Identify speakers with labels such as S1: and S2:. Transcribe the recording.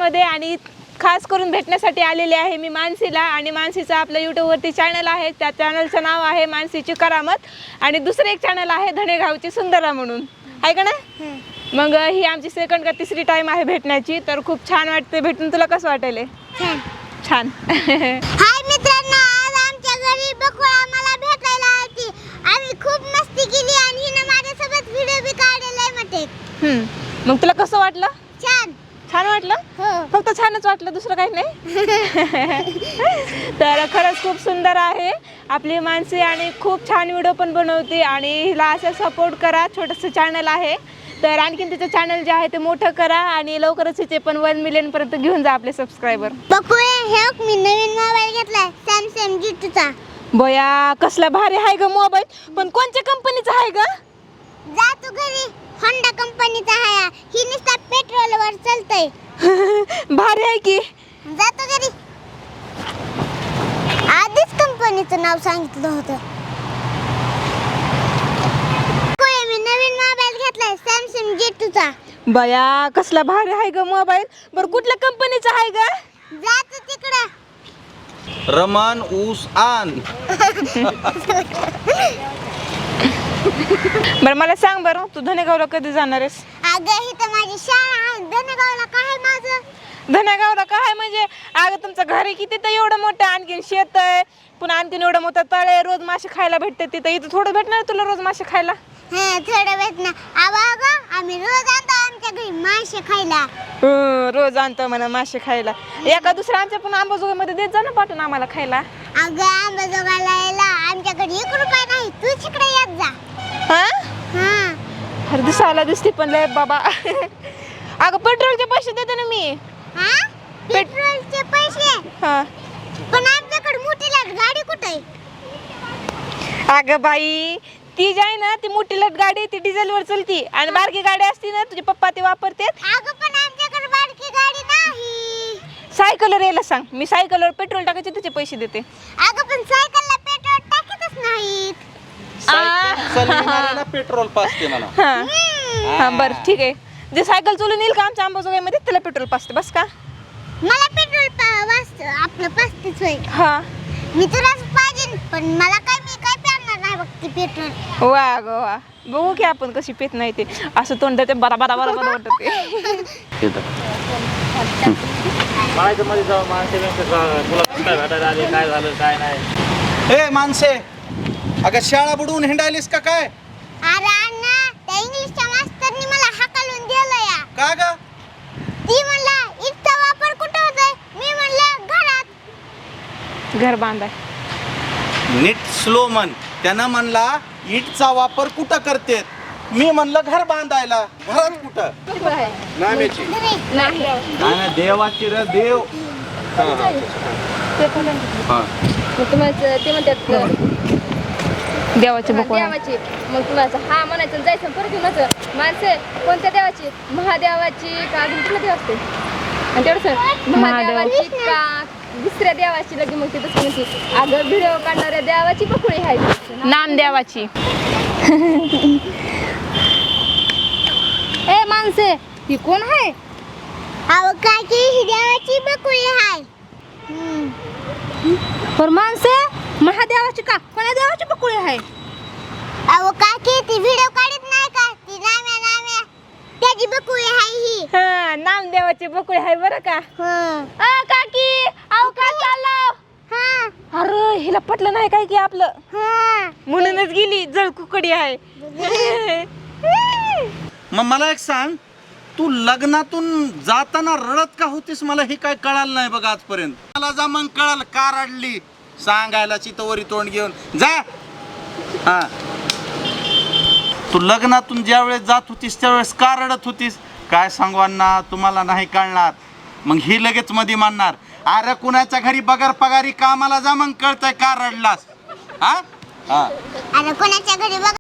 S1: व्हिडिओमध्ये आणि खास करून भेटण्यासाठी आलेले आहे मी मानसीला. आणि मानसीचा आपल्या यूट्यूबवरती चॅनल आहे, त्या चॅनलचं नाव आहे मानसीची करामत. आणि दुसरं एक चॅनल आहे धनेगावची सुंदरा म्हणून, आहे का ना. मग ही आमची सेकंड का तिसरी टाइम आहे भेटण्याची, तर खूप छान वाटते भेटून. तुला कसं वाटेल? छान.
S2: हाय मित्रांनो, आज आमच्या घरी बकुळा मला भेटायला आली. आम्ही खूप मस्ती केली आणि हिने माझ्यासोबत व्हिडिओ बी काढलेला आहे.
S1: मग तुला कसं वाटलं? छान वाटलं?
S2: हो.
S1: फक्त छानच वाटलं, दुसरं काही नाही. तर खरंच खूप सुंदर आहे आपली मानसी आणि खूप छान व्हिडिओ पण बनवते. आणि हिला असं सपोर्ट करा, छोटंसं चॅनल आहे. तर आणखीन तिचं चॅनल जे आहे ते मोठं करा आणि लवकरच तिचे पण 1 मिलियन पर्यंत घेऊन जा आपले सबस्क्रायबर.
S2: बकुळे, हे मी नवीन मोबाईल घेतलाय सॅमसंग G2चा.
S1: बया कसला भारी आहे ग मोबाईल, पण कोणत्या कंपनीचा आहे ग?
S2: जा तू घरी, होंडा कंपनीचा आहे. ही नुसता पेट्रोलवर चालतंय.
S1: भारी आहे की.
S2: जा तू घरी. आधीच कंपनीचं नाव सांगितलं होतं. मी नवीन मोबाईल घेतलाय सॅमसंग G2चा.
S1: बया कसला भारी आहे ग मोबाईल. बरं कुठल्या कंपनीचा आहे ग?
S2: जा तू तिकडं.
S3: रमन ऊस आण.
S1: बरं मला सांग बरं, तू धनेगावला कधी जाणार आहेस?
S2: अगं ही तर माझी शाळा आहे. धनेगावला काय आहे माझं?
S1: धनेगावला काय म्हणजे? अगं तुमचं घर आहे किती तर एवढं मोठं, आणखीन शेत आहे, पुन्हा आणखीन एवढं मोठं तळ आहे, रोज मासे खायला भेटते तिथं. इथं थोडं भेटणार तुला रोज मासे खायला?
S2: थोडं भेट ना. अगं आम्ही रोज आणतो आमच्या घरी मासे खायला.
S1: रोज आणतो म्हणा मासे खायला. एका दुसऱ्या आमच्या पण अंबाजोगाईमध्ये देत जा ना पाठवून आम्हाला खायला.
S2: अगं अंबाजोगाईला यायला आमच्याकडे 1 रुपया नाही. तू तिकडे येत जा.
S1: हर दिसायला दिसते पण लय बाबा. अगं पेट्रोलचे पैसे देते ना मी.
S2: पेट्रोलचे पैसे?
S1: हा
S2: पण आमच्याकडे मोठी लाट गाडी कुठे आहे?
S1: अगं बाई ती जी आहे ना, ती मोठी लट गाडी ती डिझेलवर चलती आणि बारकी गाडी असती ना तुझे पप्पा ते वापरतात.
S2: अगं पण आमच्याकडे बारकी गाडी नाही.
S1: सायकलवर यायला सांग, मी सायकलवर पेट्रोल टाकायचे त्याचे पैसे देते.
S2: अगं पण सायकलला पेट्रोल टाकतच नाहीत.
S3: चालविणाऱ्याला पेट्रोल पाजते म्हणा.
S1: हा बरं ठीक आहे. जे सायकल चालून येईल का आमच्या अंबाजोगाईमध्ये त्याला पेट्रोल पाजते बस का?
S2: मला पेट्रोल आपलं पाचतेच होय.
S1: हा
S2: मी तुला पाहिजे पण मला काय, मी काय प्यारणार नाही बघ ते पेट्रोल.
S1: वा ग वा, बघू की आपण कशी पेत नाही ते. असं तोंड ते बरा बरा बरा बरा वाटत ते.
S4: काय झालं काय नाही.
S3: ए माणसे, अगं शाळा बुडवून हिंडायलीस का काय?
S2: अरे अण्णा, त्या इंग्लिशच्या मास्तरनी मला हाकलून दिलं या.
S3: का ग?
S2: ती म्हणला इथचा वापर कुठं होतोय? मी म्हणलं घरात.
S1: घर बांधाय.
S3: नीट स्लो म्हण. त्यानं म्हणला इटचा वापर कुठं करतेत? मी म्हणलं घर बांधायला. घरात कुठं? नाम्याची नाही, देवाची रे देव.
S5: ते म्हणतात
S1: देवाची बकुळा.
S5: देवाची. मग तुम्हाला हा म्हणायचं जायचं परत म्हणायचं माणसे कोणत्या देवाची? महादेवाची का अजून कुठल्या देव असते? आणि तेवढंच महादेवाची का दुसऱ्या देवाची? लगे मग ते तसं म्हणते अगं व्हिडिओ काढणाऱ्या देवाची बकुळी आहे.
S1: नामदेवाची.
S5: ए माणसे ही कोण आहे?
S2: अहो काकी, ही देवाची बकुळी आहे.
S5: पर माणसे महादेवाची का कोणा देवाची बकुळी आहे?
S2: अहो काकी, ती व्हिडिओ काढत नाही का? ती नाम्या त्याची बकुळी आहे ही.
S1: हा नामदेवाची बकुळी आहे बरं का. काकी अहो काय चाललं? अरे हिला पटलं नाही काय की आपलं, म्हणूनच गेली जळ कुकडी आहे.
S3: मग मला एक सांग, तू लग्नातून जाताना रडत का होतीस? मला हे काय कळालं नाही बघ आजपर्यंत. मला जा मग कळालं का रडली. सांगायला चितवरी तोंड घेऊन जा. हा तू लग्नातून ज्या वेळेस जात होतीस त्यावेळेस का रडत होतीस? काय सांगू अण्णा, तुम्हाला नाही कळणार. मग ही लगेच मध्ये मानणार, अरे कुणाच्या घरी बगर पगारी कामाला जा, मग कळतंय का रडलास. हा
S2: अरे कोणाच्या घरी बघ